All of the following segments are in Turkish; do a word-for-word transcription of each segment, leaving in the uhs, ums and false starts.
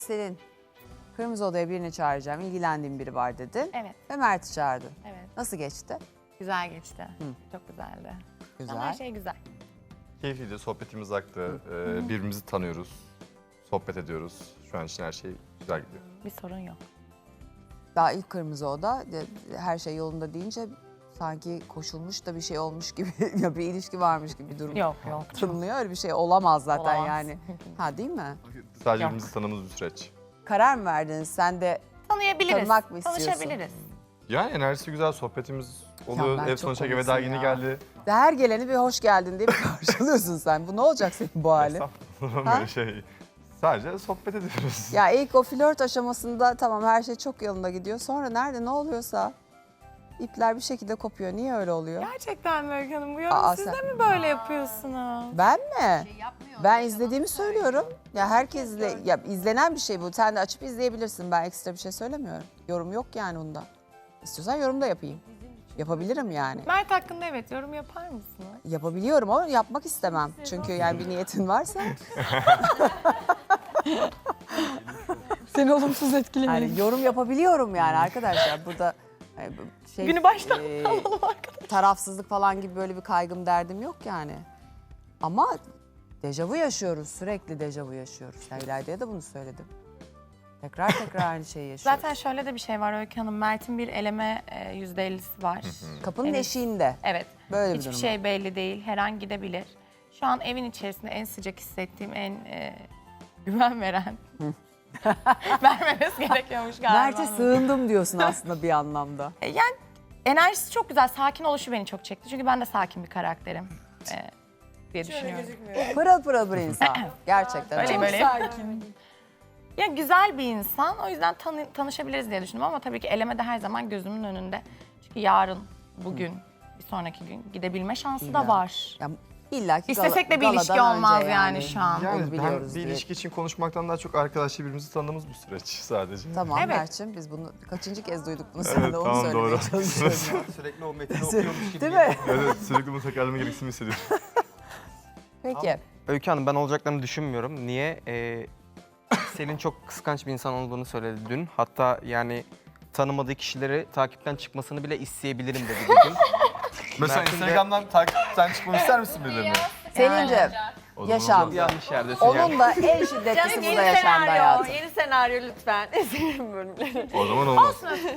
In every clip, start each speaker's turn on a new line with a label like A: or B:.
A: Selin, Kırmızı Oda'ya birini çağıracağım, ilgilendiğim biri var dedin.
B: Evet.
A: Ve Mert'i çağırdın.
B: Evet.
A: Nasıl geçti?
B: Güzel geçti. Çok güzeldi.
A: Güzel.
B: Ama her şey güzel.
C: Keyifliydi, sohbetimiz aktı. Ee, birbirimizi tanıyoruz, sohbet ediyoruz. Şu an için her şey güzel gidiyor.
B: Bir sorun yok.
A: Daha ilk Kırmızı Oda, de- her şey yolunda deyince sanki koşulmuş da bir şey olmuş gibi, ya bir ilişki varmış gibi bir durum.
B: Yok yok.
A: Tınlıyor, öyle bir şey olamaz zaten
B: Olamaz.
A: yani. Ha değil mi?
C: Sadece
B: Yok.
C: birbirimizi tanıdığımız bir süreç.
A: Karar mı verdiniz? Sen de
B: Tanıyabiliriz.
A: Tanımak mı istiyorsun?
B: Tanışabiliriz.
C: Yani enerjisi güzel, sohbetimiz oluyor.
A: Ya ben
C: Ev
A: çok
C: sonu çekime
A: komiksin
C: daha yeni
A: ya.
C: geldi.
A: her geleni bir hoş geldin diye bir karşılıyorsun sen. Bu ne olacak senin bu halin?
C: Estağfurullah,
A: Ha?
C: böyle şey. Sadece sohbet ediyoruz.
A: Ya ilk o flört aşamasında tamam her şey çok yolunda gidiyor. Sonra nerede ne oluyorsa ipler bir şekilde kopuyor. Niye öyle oluyor?
B: Gerçekten mi Öykü Hanım? Bu
A: Aa,
B: yorum siz
A: sen-
B: de mi böyle yapıyorsunuz?
A: Ben mi? Ben izlediğimi söylüyorum. Ya herkesle ya izlenen bir şey bu. Sen de açıp izleyebilirsin. Ben ekstra bir şey söylemiyorum. Yorum yok yani onda. İstiyorsan yorum da yapayım. Yapabilirim yani.
B: Mert hakkında evet yorum yapar mısınız?
A: Yapabiliyorum ama yapmak istemem. Çünkü yani bir niyetin varsa.
B: Seni olumsuz etkilemiyor.
A: Yani yorum yapabiliyorum yani arkadaşlar. Burada e, bu şey,
B: Günü baştan
A: e,
B: alalım arkadaşlar.
A: tarafsızlık falan gibi böyle bir kaygım derdim yok yani. Ama dejavu yaşıyoruz. Sürekli dejavu yaşıyoruz. Ya İlayda'ya da bunu söyledim. Tekrar tekrar aynı şeyi yaşıyoruz.
B: Zaten şöyle de bir şey var Öykü Hanım. Mert'in bir eleme e, yüzde ellisi var.
A: Kapının
B: Evet.
A: eşiğinde.
B: Evet.
A: Böyle bir
B: Hiçbir
A: durum
B: şey belli değil. Her an gidebilir. Şu an evin içerisinde en sıcak hissettiğim, en e, güven veren. Vermemesi gerekiyormuş galiba.
A: Mert'e sığındım diyorsun aslında bir anlamda.
B: E, Yani enerjisi çok güzel. Sakin oluşu beni çok çekti. Çünkü ben de sakin bir karakterim. E, diye düşünüyorum.
A: Pırıl pırıl bir insan. Gerçekten.
B: Öyleyim,
A: öyle.
B: öyleyim. Ya güzel bir insan. O yüzden tanı- tanışabiliriz diye düşündüm ama tabii ki eleme de her zaman gözümün önünde. Çünkü yarın, bugün, bir sonraki gün gidebilme şansı da
A: İlla.
B: var.
A: Ya, İlla ki
B: İstesek de bir
A: gala-
B: ilişki
A: galadan
B: olmaz
A: önce
B: yani şu an.
A: Onu
C: Yani ben
A: biliyoruz
C: bir
A: diye.
C: ilişki için konuşmaktan daha çok arkadaşça birbirimizi tanıdığımız bir süreç sadece.
A: Tamam
B: Evet.
A: Mert'ciğim biz bunu kaçıncı kez duyduk bunu
C: Evet,
A: sen de onu
C: tamam,
A: söylemeye
C: doğru.
A: çalışıyorum.
D: Sürekli o metni okuyormuş gibi.
A: Değil mi?
C: Evet, sürekli bunu tekrarlama gereksinimi hissediyorum.
A: Peki.
D: Öykü Hanım ben olacaklarını düşünmüyorum. Niye? Ee, Selin çok kıskanç bir insan olduğunu söyledi dün. Hatta yani tanımadığı kişileri takipten çıkmasını bile isteyebilirim dedi bugün.
C: Mesela
D: Mert'in de-
C: Instagram'dan takipten çıkmamı ister misin birilerini?
A: Selin'ciğim
C: O zaman
A: yaşam.
C: olmaz.
D: Yanlış yerdesin yani.
A: Onun da en şiddetlisi burada yaşandı hayatım.
E: Yeni senaryo lütfen. Eserim bölümleri.
C: O zaman olmaz.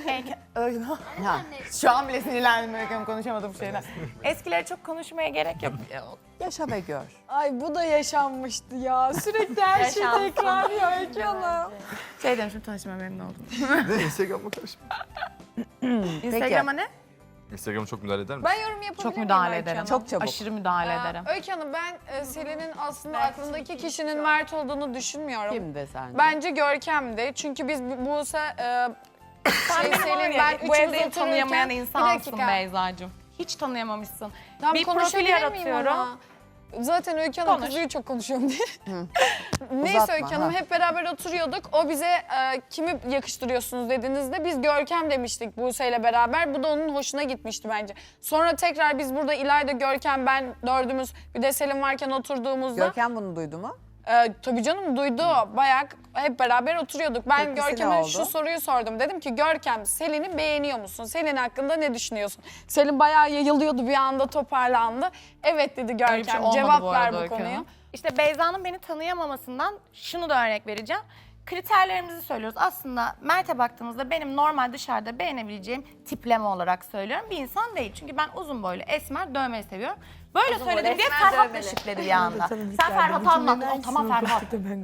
A: Ha.
B: Şu an bile sinirlendim Öykü Hanım, konuşamadığım şeyden. Eskileri çok konuşmaya gerek yok.
A: Yaşa ve gör.
E: Ay bu da yaşanmıştı ya. Sürekli her şey tekrarlıyor Öykü Hanım.
B: Şey demişim, tanışmaya memnun oldum.
C: Ne? Instagram'a karışma.
B: Instagram'a ne?
C: Instagram'a çok müdahale eder misin?
E: Ben yorum yapabilir
B: Çok
E: miyim
B: müdahale
E: Öykü
B: ederim.
E: Hanım?
A: Çok çabuk.
B: Aşırı müdahale
E: Aa,
B: ederim.
E: Öykü Hanım ben e, Selin'in aslında aklındaki kişinin Mert olduğunu düşünmüyorum.
A: Kimdi sence?
E: Bence Görkem'di. Çünkü biz bu- Buse, e,
B: Sen
E: şey,
B: benim
E: Selin,
B: var ya,
E: ben
B: bu
E: üçümüz
B: evde hiç tanıyamayan
E: otururken-
B: insansın
E: Bir dakika.
B: Beyza'cığım. Hiç tanıyamamışsın.
E: Tam
B: bir profil
E: konuşabilir miyim
B: yaratıyorum.
E: ama? Zaten Öykü Hanım
B: Konuş.
E: kızıyor çok konuşuyorum diye. Neyse
A: Uzatma,
E: Öykü Hanım
A: ha.
E: hep beraber oturuyorduk. O bize e, kimi yakıştırıyorsunuz dediğinizde biz Görkem demiştik Buse ile beraber. Bu da onun hoşuna gitmişti bence. Sonra tekrar biz burada İlayda, Görkem, ben dördümüz bir de Selim varken oturduğumuzda.
A: Görkem bunu duydu mu?
E: E, tabii canım duydu. Bayağı hep beraber oturuyorduk. Ben
A: Tepkisi ne
E: Görkem'e
A: oldu?
E: şu soruyu sordum. Dedim ki Görkem Selin'i beğeniyor musun? Selin hakkında ne düşünüyorsun? Selin bayağı yayılıyordu bir anda toparlandı. Evet dedi
B: Öyle bir şey
E: Görkem.
B: olmadı
E: Cevap
B: bu
E: ver
B: arada
E: bu
B: Öykü
E: konuya.
B: Hanım. İşte Beyza'nın beni tanıyamamasından şunu da örnek vereceğim. Kriterlerimizi söylüyoruz. Aslında Mert'e baktığımızda benim normal dışarıda beğenebileceğim tipleme olarak söylüyorum. Bir insan değil. Çünkü ben uzun boylu, esmer, dövmeyi seviyorum. Böyle söyledim diye Ferhat da şipledi bir anda. Sen Ferhat anlattın. O, tamam Ferhat.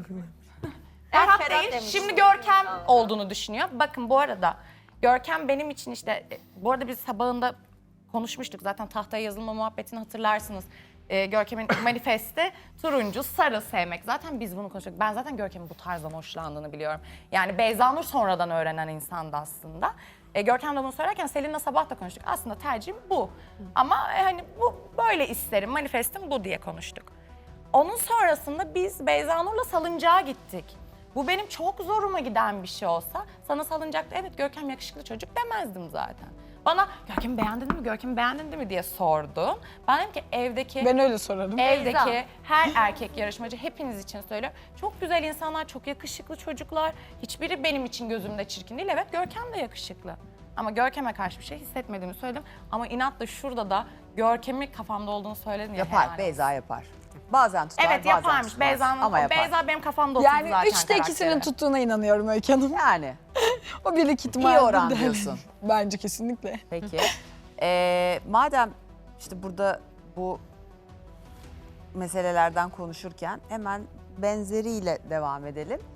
B: Ferhat değil, şimdi Görkem olduğunu düşünüyor. Bakın bu arada Görkem benim için işte, e, bu arada biz sabahında konuşmuştuk zaten tahtaya yazılma muhabbetini hatırlarsınız. Ee, Görkem'in manifesti turuncu, sarı sevmek. Zaten biz bunu konuştuk. Ben zaten Görkem'in bu tarzdan hoşlandığını biliyorum. Yani Beyza Nur sonradan öğrenen insandı aslında. E, Görkem de bunu söylerken Selin'le sabah da konuştuk. Aslında tercihim bu. Ama e, hani bu böyle isterim, manifestim bu diye konuştuk. Onun sonrasında biz Beyza Nur'la salıncağa gittik. Bu benim çok zoruma giden bir şey olsa sana salıncakta evet Görkem yakışıklı çocuk demezdim zaten. Bana Görkem'i beğendin mi, Görkem'i beğendin mi diye sordu. Ben dedim ki evdeki...
E: Ben öyle sorarım.
B: Evdeki her erkek yarışmacı hepiniz için söylüyorum. Çok güzel insanlar, çok yakışıklı çocuklar. Hiçbiri benim için gözümde çirkin değil. Evet Görkem de yakışıklı. Ama Görkem'e karşı bir şey hissetmediğimi söyledim. Ama inatla şurada da Görkem'i kafamda olduğunu söyledim ya.
F: Yapar,
B: helal
F: Beyza
B: olsun.
F: yapar. Bazen tutar,
B: Evet
F: bazen
B: yaparmış
F: tutmaz.
B: Beyza'nın.
F: Ama yapar.
B: Beyza benim kafamda oturdu
E: Yani
B: zaten
E: üçte ikisinin
B: karakteri.
E: tuttuğuna inanıyorum Öykü Hanım.
F: Yani
E: O birlik ihtimalle.
F: iyi oran
E: de-
F: diyorsun.
E: Bence kesinlikle.
F: Peki. Ee, madem işte burada bu meselelerden konuşurken hemen benzeriyle devam edelim.